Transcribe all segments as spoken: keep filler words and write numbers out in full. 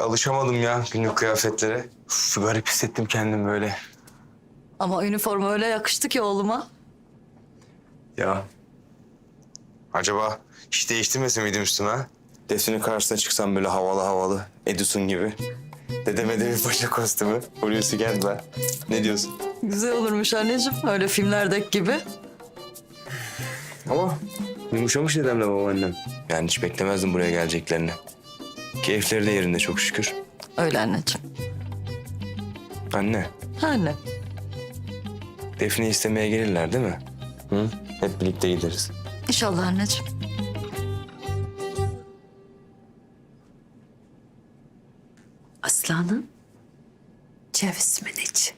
alışamadım ya günlük kıyafetlere. Uf, garip hissettim kendimi böyle. Ama üniforma öyle yakıştı ki oğluma. Ya acaba hiç değiştirmese miydim üstüme ha? Defne'nin karşısına çıksam böyle havalı havalı Edison gibi. Dedeme de bir paşa kostümü. Hulusi Kentmen. Ne diyorsun? Güzel olurmuş anneciğim. Öyle filmlerdeki gibi. Ama yumuşamış dedemle babaannem. Yani hiç beklemezdim buraya geleceklerini. Keyifleri de yerinde çok şükür. Öyle anneciğim. Anne, Ha anne. Defne'yi istemeye gelirler değil mi? Hı? Hep birlikte gideriz. İnşallah anneciğim. Aslanım, ceviz mi iç?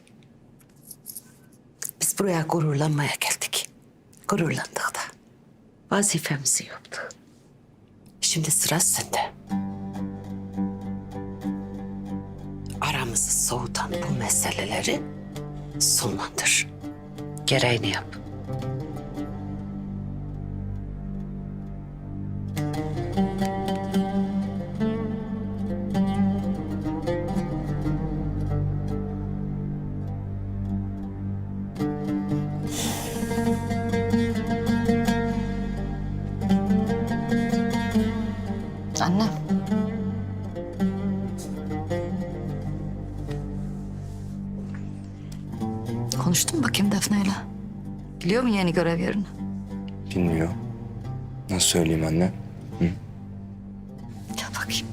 Biz buraya gururlanmaya geldik. Gururlandık da. Vazifemizi yaptık. Şimdi sıra sende. Aramızı soğutan bu meseleleri sonlandır. Gereğini yap. Anne. Konuştun mu bakayım Defne'yle? Biliyor mu yeni görev yerini? Bilmiyor. Nasıl söyleyeyim anne? Hı? Gel bakayım.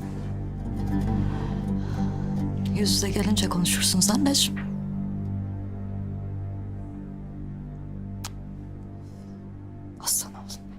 Yüz yüze gelince konuşursunuz anneciğim. Aslan oğlum.